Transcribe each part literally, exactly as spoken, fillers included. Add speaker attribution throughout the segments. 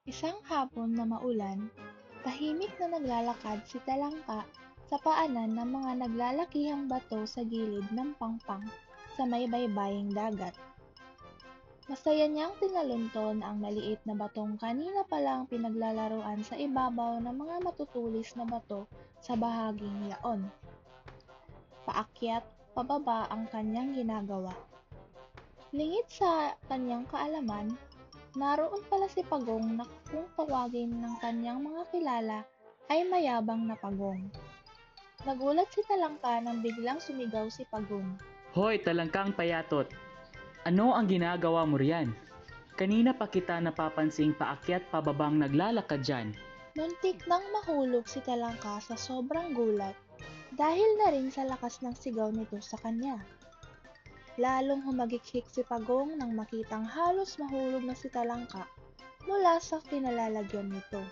Speaker 1: Isang hapon na maulan, tahimik na naglalakad si Talangka sa paanan ng mga naglalakihang bato sa gilid ng pangpang sa may baybaying dagat. Masaya niyang tinalunton ang maliit na batong kanina pa lang pinaglalaruan sa ibabaw ng mga matutulis na bato sa bahaging yaon. Paakyat, pababa ang kanyang ginagawa. Lingid sa kanyang kaalaman, naroon pala si Pagong na kung tawagin ng kanyang mga kilala ay mayabang na Pagong. Nagulat si Talangka nang biglang sumigaw si Pagong.
Speaker 2: Hoy, talangkang payatot! Ano ang ginagawa mo riyan? Kanina pa kita napapansing paakyat pababang naglalakad dyan.
Speaker 1: Muntik nang mahulog si Talangka sa sobrang gulat dahil na rin sa lakas ng sigaw nito sa kanya. Lalong humagikhik si Pagong nang makitang halos mahulog na si Talangka mula sa kinalalagyan nito.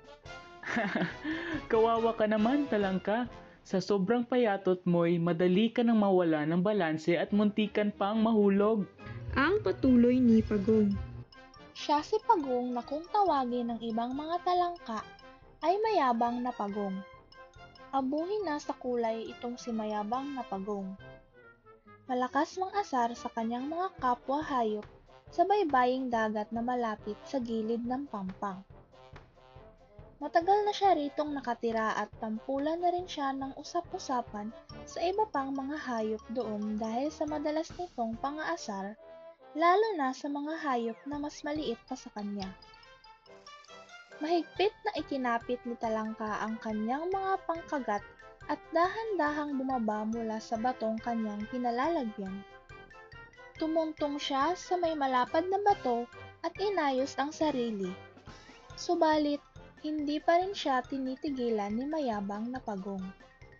Speaker 2: Kawawa ka naman, talangka. Sa sobrang payatot mo'y madali ka nang mawala ng balanse at muntikan pang mahulog.
Speaker 3: Ang patuloy ni Pagong.
Speaker 1: Siya si Pagong na kung tawagin ng ibang mga talangka ay mayabang na Pagong. Abuhin na sa kulay itong si mayabang na Pagong. Malakas mang-asar sa kanyang mga kapwa hayop sa baybaying dagat na malapit sa gilid ng pampang. Matagal na siya ritong nakatira at tampulan na rin siya ng usap-usapan sa iba pang mga hayop doon dahil sa madalas nitong pang-aasar, lalo na sa mga hayop na mas maliit pa sa kanya. Mahigpit na ikinapit ni Talangka ang kanyang mga pangkagat at dahan-dahang bumaba mula sa batong kanyang kinalalagyan. Tumuntong siya sa may malapad na bato at inayos ang sarili. Subalit, hindi pa rin siya tinitigilan ni mayabang na Pagong.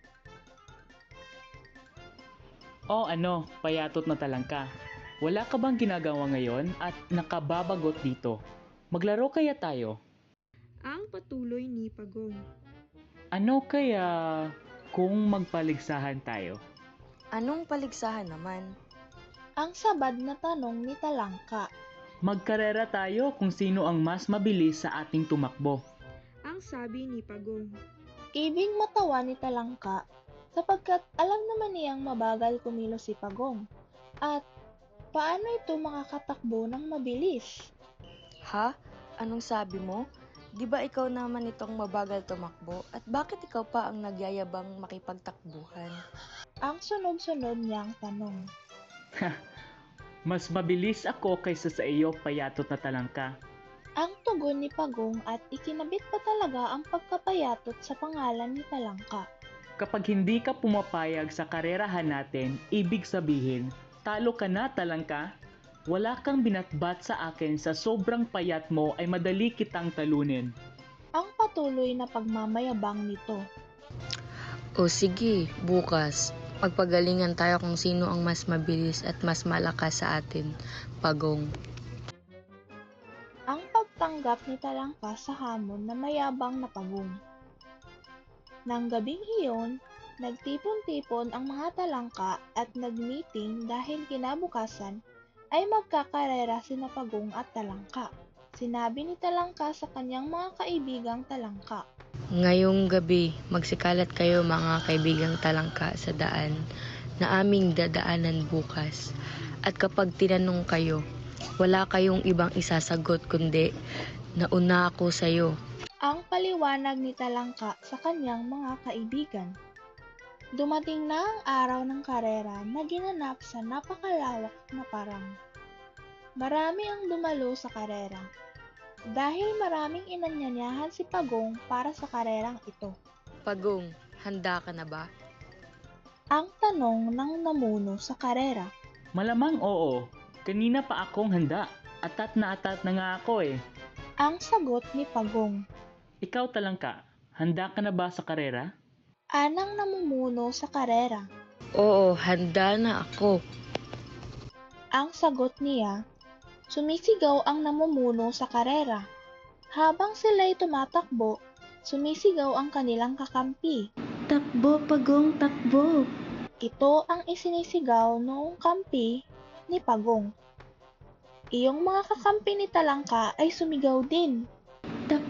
Speaker 2: O ano, payatot na talangka. Wala ka bang ginagawa ngayon at nakababagot dito? Maglaro kaya tayo?
Speaker 3: Ang patuloy ni Pagong.
Speaker 2: Ano kaya kung magpaligsahan tayo?
Speaker 4: Anong paligsahan naman?
Speaker 1: Ang sabad na tanong ni Talangka.
Speaker 2: Magkarera tayo kung sino ang mas mabilis sa ating tumakbo.
Speaker 3: Ang sabi ni Pagong.
Speaker 1: Ibig matawa ni Talangka sapagkat alam naman niyang mabagal kumilos si Pagong. At paano ito makakatakbo ng mabilis?
Speaker 4: Ha? Anong sabi mo? Di ba ikaw naman itong mabagal tumakbo at bakit ikaw pa ang nagyayabang makipagtakbuhan?
Speaker 1: Ang sunod-sunod niyang tanong.
Speaker 2: Mas mabilis ako kaysa sa iyo, payatot na talangka.
Speaker 1: Ang tugon ni Pagong at ikinabit pa talaga ang pagkapayatot sa pangalan ni Talangka.
Speaker 2: Kapag hindi ka pumapayag sa karerahan natin, ibig sabihin, talo ka na talangka. Wala kang binatbat sa akin sa sobrang payat mo ay madali kitang talunin.
Speaker 1: Ang patuloy na pagmamayabang nito.
Speaker 5: O sige, bukas, magpagalingan tayo kung sino ang mas mabilis at mas malakas sa atin, Pagong.
Speaker 1: Ang pagtanggap ni Talangka sa hamon na mayabang na Pagong. Nang gabing iyon, nagtipon-tipon ang mga talangka at nagmeeting dahil kinabukasan ay magkakarera sina Pagong at Talangka. Sinabi ni Talangka sa kanyang mga kaibigang talangka.
Speaker 5: Ngayong gabi, magsikalat kayo mga kaibigang talangka sa daan na aming dadaanan bukas. At kapag tinanong kayo, wala kayong ibang isasagot kundi nauna ako sa'yo.
Speaker 1: Ang paliwanag ni Talangka sa kanyang mga kaibigan. Dumating na ang araw ng karera na ginanap sa napakalawak na parang. Marami ang dumalo sa karera dahil maraming inanyanyahan si Pagong para sa karerang ito.
Speaker 5: Pagong, handa ka na ba?
Speaker 1: Ang tanong ng namuno sa karera.
Speaker 2: Malamang oo, kanina pa akong handa. Atat na atat na nga ako eh.
Speaker 1: Ang sagot ni Pagong.
Speaker 2: Ikaw talangka, handa ka na ba sa karera?
Speaker 1: Anang namumuno sa karera.
Speaker 5: Oo, handa na ako.
Speaker 1: Ang sagot niya. Sumisigaw ang namumuno sa karera. Habang sila'y tumatakbo, sumisigaw ang kanilang kakampi.
Speaker 3: Takbo, Pagong, takbo!
Speaker 1: Ito ang isinisigaw noong kampi ni Pagong. Iyong mga kakampi ni Talangka ay sumigaw din.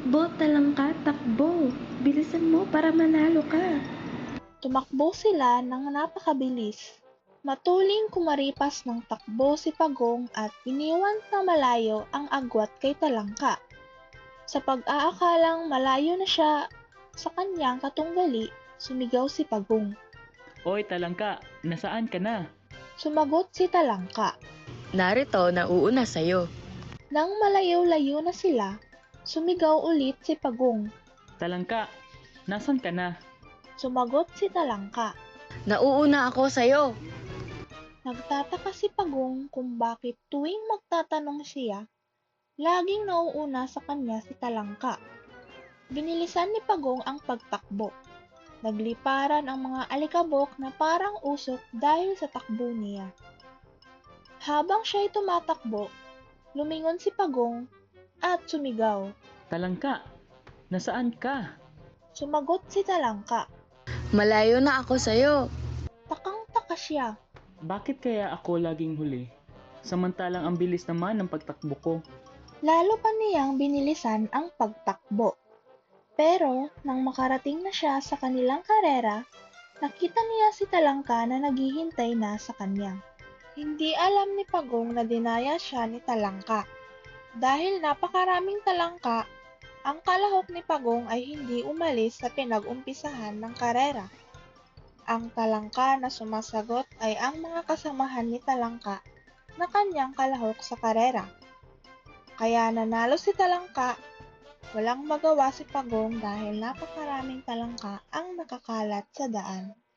Speaker 3: Takbo, talangka, takbo. Bilisan mo para manalo ka.
Speaker 1: Tumakbo sila ng napakabilis. Matuling kumaripas ng takbo si Pagong at iniwan na malayo ang agwat kay Talangka. Sa pag-aakalang malayo na siya sa kanyang katunggali, sumigaw si Pagong.
Speaker 2: Oy Talangka, nasaan ka na?
Speaker 1: Sumagot si Talangka.
Speaker 5: Narito, nauuna sa'yo.
Speaker 1: Nang malayo-layo na sila, sumigaw ulit si Pagong.
Speaker 2: Talangka, nasan ka na?
Speaker 1: Sumagot si Talangka.
Speaker 5: Nauuna ako sa'yo.
Speaker 1: Nagtataka si Pagong kung bakit tuwing magtatanong siya, laging nauuna sa kanya si Talangka. Binilisan ni Pagong ang pagtakbo. Nagliparan ang mga alikabok na parang usok dahil sa takbo niya. Habang siya'y tumatakbo, lumingon si Pagong at sumigaw.
Speaker 2: Talangka, nasaan ka?
Speaker 1: Sumagot si Talangka.
Speaker 5: Malayo na ako sa'yo.
Speaker 1: Takang-taka siya.
Speaker 2: Bakit kaya ako laging huli? Samantalang ang bilis naman ng pagtakbo ko.
Speaker 1: Lalo pa niyang binilisan ang pagtakbo. Pero nang makarating na siya sa kanilang karera, nakita niya si Talangka na naghihintay na sa kanya. Hindi alam ni Pagong na dinaya siya ni Talangka. Dahil napakaraming talangka, ang kalahok ni Pagong ay hindi umalis sa pinag-umpisahan ng karera. Ang talangka na sumasagot ay ang mga kasamahan ni Talangka na kanyang kalahok sa karera. Kaya nanalo si Talangka. Walang magawa si Pagong dahil napakaraming talangka ang nakakalat sa daan.